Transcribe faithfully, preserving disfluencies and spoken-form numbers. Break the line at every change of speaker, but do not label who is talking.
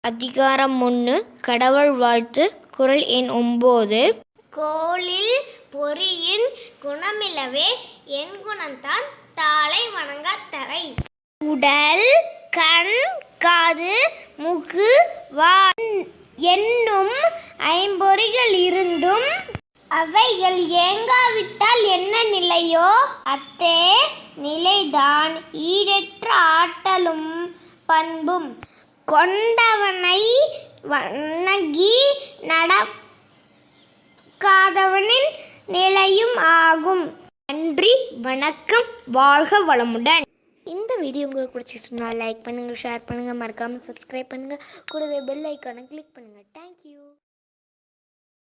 அதிகாரம் ஒன்று கடவுள் வாழ்த்து. குறள் எண் ஒன்பது.
கோளில் பொறியின் குணமிலவே என் குணந்தான் தாளை வணங்காத்தவை.
உடல் கண் காது மூக்கு வாய் என்னும் ஐம்பொறிகள் இருந்தும் அவைகள் ஏங்காவிட்டால் என்ன நிலையோ அத்தே நிலைதான் ஈடற்ற ஆற்றலும் பண்பும் கொண்டவனை வணங்கி நடக்காதவனின் நிலையும் ஆகும். நன்றி, வணக்கம், வாழ்க வளமுடன். இந்த வீடியோ உங்களுக்கு பிடிச்சிருந்தா லைக் பண்ணுங்கள், ஷேர் பண்ணுங்கள், மறக்காமல் சப்ஸ்கிரைப் பண்ணுங்கள், கூடவே பெல் ஐக்கானை கிளிக் பண்ணுங்கள். தேங்க்யூ.